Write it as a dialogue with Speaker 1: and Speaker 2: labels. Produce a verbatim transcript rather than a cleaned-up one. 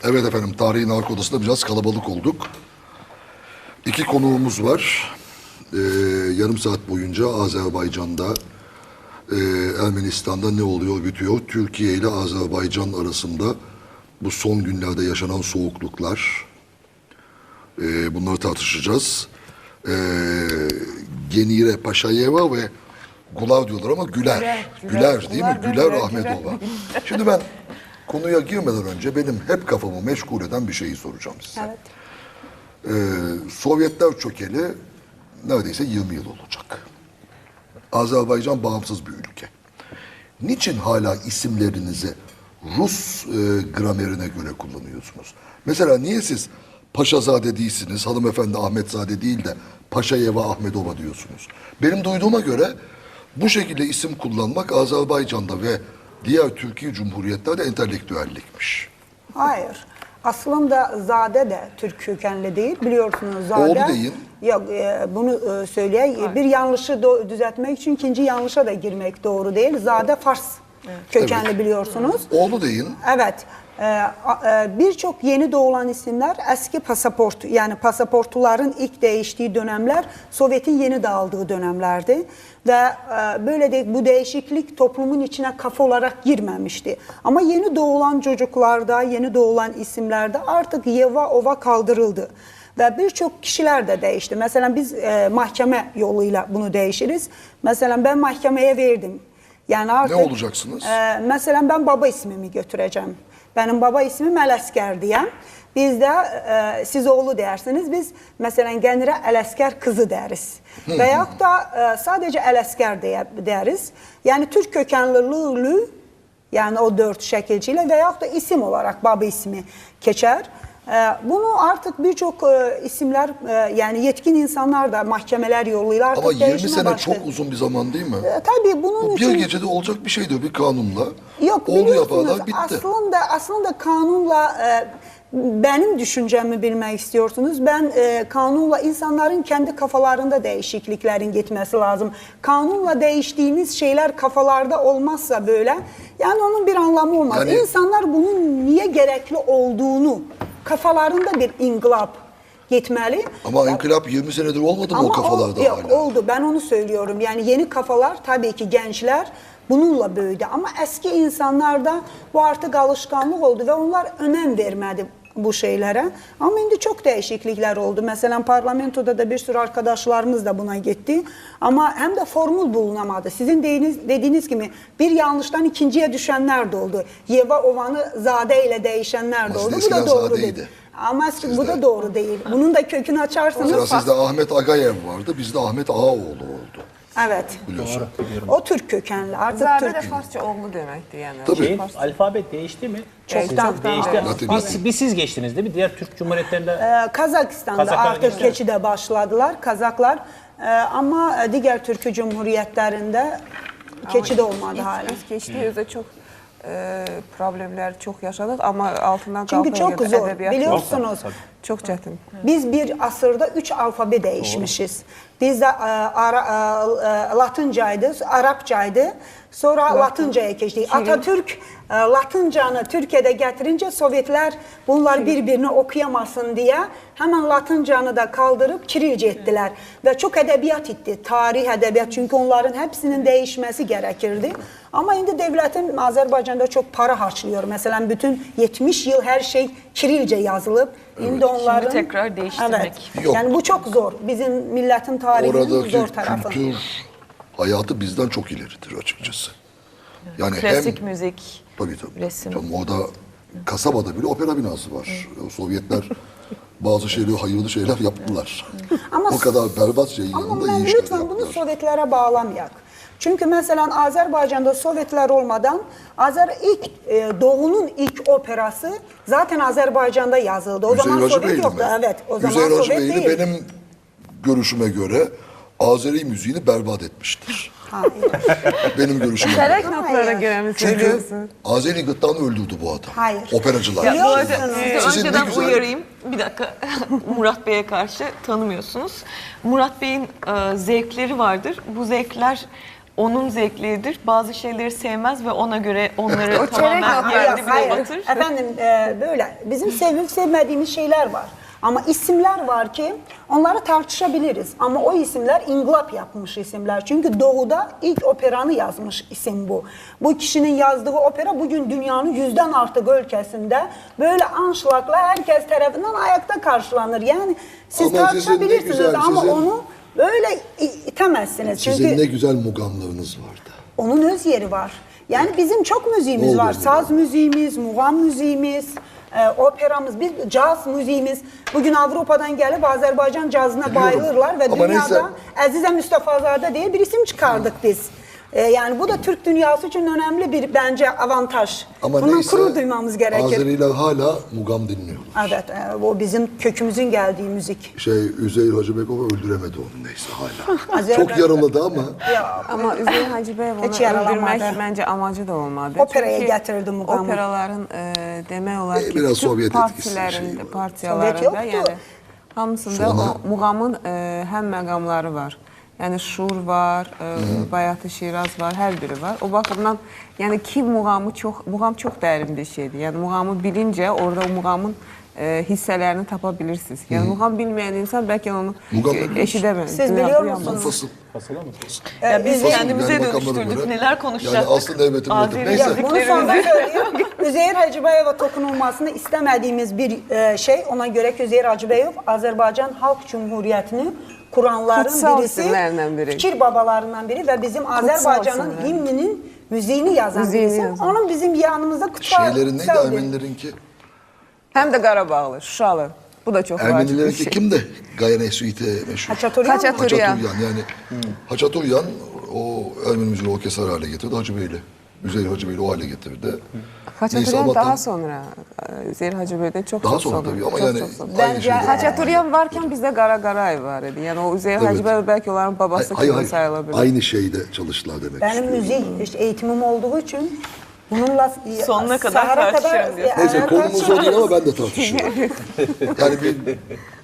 Speaker 1: Evet efendim, tarihin arka odasında biraz kalabalık olduk. İki konuğumuz var. Ee, yarım saat boyunca Azerbaycan'da, e, Ermenistan'da ne oluyor bitiyor. Türkiye ile Azerbaycan arasında bu son günlerde yaşanan soğukluklar. E, bunları tartışacağız. E, Genire Paşayeva ve Gular diyorlar ama Güler. Güler,
Speaker 2: Güler,
Speaker 1: Güler değil mi?
Speaker 2: Güler,
Speaker 1: Güler
Speaker 2: Güler,
Speaker 1: Ahmetova. Şimdi ben konuya girmeden önce benim hep kafamı meşgul eden bir şeyi soracağım size.
Speaker 2: Evet.
Speaker 1: Ee, Sovyetler çökeli neredeyse yirmi yıl olacak. Azerbaycan bağımsız bir ülke. Niçin hala isimlerinizi Rus e, gramerine göre kullanıyorsunuz? Mesela niye siz Paşazade değilsiniz, hanımefendi Ahmetzade değil de Paşayeva Ahmedova diyorsunuz? Benim duyduğuma göre bu şekilde isim kullanmak Azerbaycan'da ve diğer Türkiye Cumhuriyetlerde entelektüellikmiş.
Speaker 2: Hayır. Aslında Zade de Türk kökenli değil. Biliyorsunuz Zade.
Speaker 1: Oğlu deyin.
Speaker 2: Yok, e, bunu e, söyleyeyim. Bir yanlışı do- düzeltmek için ikinci yanlışa da girmek doğru değil. Zade Fars kökenli
Speaker 1: Evet.
Speaker 2: biliyorsunuz.
Speaker 1: Oğlu deyin.
Speaker 2: Evet. Ee, a- e, Birçok yeni doğulan isimler eski pasaport, yani pasaportların ilk değiştiği dönemler Sovyet'in yeni dağıldığı dönemlerdi. Ve e, böyle de bu değişiklik toplumun içine kafa olarak girmemişti. Ama yeni doğulan çocuklarda, yeni doğulan isimlerde artık Yeva Ova kaldırıldı. Ve birçok kişiler de değişti. Mesela biz e, mahkeme yoluyla bunu değişiriz. Mesela ben mahkemeye verdim. Yani artık,
Speaker 1: Ne olacaksınız?
Speaker 2: E, mesela ben baba ismimi götüreceğim. Benim baba ismim Ələsker diyem. Biz de e, siz oğlu dersiniz. Biz mesela Genire Ələsker kızı deriz. Veyahut da e, sadece Ələsker diye deriz. Yani Türk kökenliliği, yani o dört şekilciyle veyahut da isim olarak baba ismi geçer. E, bunu artık birçok e, isimler, e, yani yetkin insanlar da mahkemeler yoluyla artık
Speaker 1: Ama yirmi
Speaker 2: değişime
Speaker 1: sene
Speaker 2: başladı.
Speaker 1: çok uzun bir zaman değil mi?
Speaker 2: E, tabii bunun
Speaker 1: Bu
Speaker 2: için...
Speaker 1: bir gecede olacak bir şeydi bir kanunla.
Speaker 2: Yok,
Speaker 1: Oldu
Speaker 2: biliyorsunuz,
Speaker 1: yaparlar bitti.
Speaker 2: aslında aslında kanunla e, benim düşüncemi bilmek istiyorsunuz. Ben e, kanunla insanların kendi kafalarında değişikliklerin gitmesi lazım. Kanunla değiştiğiniz şeyler kafalarda olmazsa böyle, yani onun bir anlamı olmaz.
Speaker 1: Yani-
Speaker 2: İnsanlar bunun niye gerekli olduğunu kafalarında bir inkılap gitmeli.
Speaker 1: Ama inkılap yirmi senedir olmadı mı o kafalarda
Speaker 2: o, yok,
Speaker 1: hala?
Speaker 2: oldu, ben onu söylüyorum. Yani yeni kafalar, tabii ki gençler bununla büyüdü. Ama eski insanlarda bu artık alışkanlık oldu ve onlar önem vermedi bu şeylere. Ama şimdi çok değişiklikler oldu. Mesela parlamentoda da bir sürü arkadaşlarımız da buna gitti. Ama hem de formül bulunamadı. Sizin dediğiniz, dediğiniz gibi bir yanlıştan ikinciye düşenler de oldu. Yeva Ovan'ı Zade ile değişenler de
Speaker 1: Ama
Speaker 2: oldu. Bu
Speaker 1: eskiden
Speaker 2: da doğru
Speaker 1: Zade'ydi.
Speaker 2: değil. Ama
Speaker 1: Sizde-
Speaker 2: bu da doğru değil. Bunun da kökünü açarsanız...
Speaker 1: Mesela sizde Ahmet Agayev vardı, bizde Ahmet Ağaoğlu oldu.
Speaker 2: Evet.
Speaker 1: Biliyorsun.
Speaker 2: O Türk kökenli. Artık
Speaker 3: Zade de
Speaker 2: Türk.
Speaker 3: Farsça oğlu demekti yani.
Speaker 1: Tabii.
Speaker 4: Şey,
Speaker 3: Fars-
Speaker 4: alfabet değişti mi?
Speaker 2: Çoktan.
Speaker 4: Çok değişti.
Speaker 1: Latin
Speaker 4: Biz,
Speaker 1: Latin.
Speaker 4: biz siz geçtiniz değil mi? Diğer Türk Cumhuriyetlerinde
Speaker 2: Ee, Kazakistan'da
Speaker 4: Kazaklar
Speaker 2: artık
Speaker 4: geçtiler.
Speaker 2: keçide başladılar Kazaklar. Ee, ama diğer Türk Cumhuriyetlerinde keçide olmadı
Speaker 3: İlk-
Speaker 2: hala.
Speaker 3: İlk geçtiğimizde çok e, problemler çok yaşadık ama altından
Speaker 2: Çünkü
Speaker 3: kalkmaya
Speaker 2: çok
Speaker 3: geldi.
Speaker 2: zor.
Speaker 3: Edebiyat
Speaker 2: Biliyorsunuz,
Speaker 3: çok çetin.
Speaker 2: biz bir asırda üç alfabe değişmişiz. Bizde e, ara, e, Latincaydı, Arapçaydı, sonra Latincaya geçtik. Atatürk e, Latincanı Türkiye'de getirince Sovyetler bunlar birbirini okuyamasın diye hemen Latincanı da kaldırıp Kirilce ettiler. Ve çok edebiyat etti, tarih edebiyat, çünkü onların hepsinin değişmesi gerekirdi. Ama şimdi devletin Azerbaycan'da çok para harcıyor. Mesela bütün yetmiş yıl her şey Kirilce yazılıp, şimdi onların...
Speaker 5: Şimdi tekrar değiştirmek.
Speaker 2: Evet.
Speaker 1: Yok.
Speaker 2: Yani bu çok zor. Bizim milletin tarihinin
Speaker 1: Oradaki
Speaker 2: zor tarafı.
Speaker 1: kültür hayatı bizden çok ileridir açıkçası. Yani
Speaker 5: Klasik
Speaker 1: hem
Speaker 5: müzik,
Speaker 1: tabii tabii.
Speaker 5: resim.
Speaker 1: Canım, orada kasabada bile opera binası var. O Sovyetler bazı şeyleri hayırlı şeyler yaptılar.
Speaker 2: Ama-
Speaker 1: o kadar berbat şeyin
Speaker 2: Ama
Speaker 1: yanında
Speaker 2: ben
Speaker 1: iyi işler
Speaker 2: lütfen bunu
Speaker 1: yaptılar.
Speaker 2: Sovyetlere bağlamayak. Çünkü mesela Azerbaycan'da Sovyetler olmadan Azer ilk e, Doğu'nun ilk operası zaten Azerbaycan'da yazıldı. O zaman
Speaker 1: Hüseyin
Speaker 2: Sovyet
Speaker 1: Hacıbeyli
Speaker 2: yoktu.
Speaker 1: mi?
Speaker 2: Evet. O zaman
Speaker 1: Hüseyin
Speaker 2: Sovyet
Speaker 1: Hacıbeyli
Speaker 2: değil.
Speaker 1: benim görüşüme göre Azeri müziğini berbat etmiştir.
Speaker 2: Hayır.
Speaker 1: Benim görüşüme
Speaker 3: Çeyrek
Speaker 1: göre.
Speaker 3: notlara
Speaker 2: Hayır.
Speaker 3: göre mi
Speaker 1: Çünkü
Speaker 3: söylüyorsun?
Speaker 1: Azeri gırtlağını öldürdü bu adam.
Speaker 2: Hayır.
Speaker 1: Operacılar.
Speaker 5: Ya bu arada
Speaker 2: Biliyorsunuz.
Speaker 5: sizi
Speaker 1: Sizin ne
Speaker 5: önceden
Speaker 1: güzel-
Speaker 5: uyarayım. Bir dakika. Murat Bey'e karşı tanımıyorsunuz. Murat Bey'in e, zevkleri vardır. Bu zevkler onun zevkleridir. Bazı şeyleri sevmez ve ona göre onları
Speaker 3: O çörek
Speaker 5: tamamen
Speaker 3: yapar.
Speaker 5: yerde bile
Speaker 2: Hayır,
Speaker 5: batır.
Speaker 2: efendim e, böyle bizim sevip sevmediğimiz şeyler var. Ama isimler var ki onları tartışabiliriz. Ama o isimler ingılap yapmış isimler. Çünkü Doğu'da ilk operanı yazmış isim bu. Bu kişinin yazdığı opera bugün dünyanın yüzden artık ülkesinde böyle anşlakla herkes tarafından ayakta karşılanır. Yani siz
Speaker 1: Ama sizin ne
Speaker 2: tartışabilirsiniz
Speaker 1: güzel,
Speaker 2: ama
Speaker 1: sizin-
Speaker 2: onu böyle i- itemezsiniz.
Speaker 1: Sizin
Speaker 2: Çünkü
Speaker 1: ne güzel mugamlarınız vardı.
Speaker 2: onun öz yeri var. Yani bizim çok müziğimiz
Speaker 1: Bol
Speaker 2: var.
Speaker 1: yeri
Speaker 2: Saz
Speaker 1: var.
Speaker 2: müziğimiz, mugam müziğimiz, e, operamız, biz caz müziğimiz. Bugün Avrupa'dan gelip Azerbaycan cazına
Speaker 1: Biliyorum.
Speaker 2: bayılırlar ve
Speaker 1: Ama
Speaker 2: dünyada
Speaker 1: neyse.
Speaker 2: Azize Mustafazade diye bir isim çıkardık biz. E, yani bu da Türk dünyası için önemli bir bence avantaj.
Speaker 1: Ama
Speaker 2: Bundan
Speaker 1: neyse
Speaker 2: gurur duymamız gerekir.
Speaker 1: Azeriler hala mugam dinliyorlar.
Speaker 2: Evet, e, o bizim kökümüzün geldiği müzik.
Speaker 1: Şey Üzeyir Hacıbekova öldüremedi onu neyse hala.
Speaker 2: Azeriler-
Speaker 1: Çok yaraladı ama
Speaker 2: Ya,
Speaker 3: Ama Üzeyir Hacıbeyev onu
Speaker 2: Hiç yaralamadı.
Speaker 3: öldürmek bence amacı da olmadı.
Speaker 2: Operaya
Speaker 3: Çünkü
Speaker 2: getirdi mugamı.
Speaker 3: Operaların e, demək olar
Speaker 1: E,
Speaker 3: ki,
Speaker 1: biraz
Speaker 3: bütün
Speaker 1: Sovyet etkisi
Speaker 3: partilərində,
Speaker 1: şeyi var.
Speaker 3: partiyalarında,
Speaker 2: Sovyet yoktu.
Speaker 3: yəni hamısında
Speaker 1: Sonra-
Speaker 3: o muğamın e, həm məqamları var. Yəni Şur var, e, Bayatı Şiraz var, hər biri var. O baxımdan yəni ki muğamı çox, muğam çox dərin bir şeydir. Yəni muğamı bilincə orada o muğamın e, hissələrini tapa bilirsiniz. Yəni muğam bilməyən insan bəlkə onu
Speaker 1: Muğam
Speaker 3: e,
Speaker 1: biliyor
Speaker 3: eşidəməz.
Speaker 2: Siz
Speaker 3: duyam-
Speaker 2: biliyor
Speaker 3: duyamaz.
Speaker 2: musunuz?
Speaker 1: fasıl.
Speaker 4: Fasıla mı?
Speaker 5: Ya biz
Speaker 2: Üzeyir-
Speaker 5: kendimize
Speaker 1: Yani makamlara
Speaker 5: dönüştürdük.
Speaker 1: göre-
Speaker 5: Neler konuşacaktık?
Speaker 1: Yani aslında evet, evet.
Speaker 5: Azeri
Speaker 1: Neyse.
Speaker 2: Ya bunu
Speaker 5: müziklerimizi-
Speaker 2: sonra söyleyeyim. Üzeyir Hacıbeyev'e dokunulmasını istemediğimiz bir e, şey. Ona göre ki Üzeyir Hacıbeyev Azerbaycan Halk Cumhuriyeti'ni kuranların
Speaker 3: Kutsal
Speaker 2: birisi,
Speaker 3: isimlerinden biri.
Speaker 2: fikir babalarından biri ve bizim Azerbaycan'ın
Speaker 3: isimler.
Speaker 2: himninin müziğini yazan
Speaker 3: Müziğini
Speaker 2: birisi.
Speaker 3: yazan.
Speaker 2: Onun bizim yanımızda kutsal
Speaker 1: Şeylerin neydi
Speaker 2: kutsal bir-
Speaker 1: Ermenilerinki?
Speaker 3: Həm də Qarabağlı, Şuşalı. Bu da çox vacib bir
Speaker 1: Ermenilerinki
Speaker 3: şey.
Speaker 1: kimdi? Gayane Suite meşhur.
Speaker 2: Haçaturyan mı?
Speaker 3: Haçaturyan.
Speaker 1: Haçaturyan yani. Haçaturyan o Ermeni müziği orkestra hale getirdi. Hacıbeyli. Üzeyir Hacıbeyli o hale getirdi. Neyse
Speaker 3: Haçaturyan
Speaker 1: ama
Speaker 3: daha
Speaker 1: tam-
Speaker 3: sonra, e, Üzeyir Hacıbeyev'den çok
Speaker 1: Daha
Speaker 3: çok
Speaker 1: sonra
Speaker 3: sonra.
Speaker 1: tabii ama
Speaker 3: çok,
Speaker 1: yani
Speaker 3: çok sonra.
Speaker 1: aynı
Speaker 2: Bence
Speaker 1: şeydi.
Speaker 3: Haçaturyan varken bizde Qara Qarayev var idi. Yani o Üzeyir
Speaker 1: Evet.
Speaker 3: Hacıbeyev belki onların babası
Speaker 1: Hayır
Speaker 3: kimi
Speaker 1: hayır.
Speaker 3: sayılabilir.
Speaker 1: Aynı şeyde çalıştılar demek
Speaker 2: Benim
Speaker 1: istiyorum.
Speaker 2: müzik işte eğitimim olduğu için bununla
Speaker 5: Sonuna kadar
Speaker 2: Sahara
Speaker 5: tartışırım diyorsun.
Speaker 2: e,
Speaker 1: Neyse konumuz o
Speaker 2: tartışırız.
Speaker 1: değil ama ben de tartışıyorum. Yani bir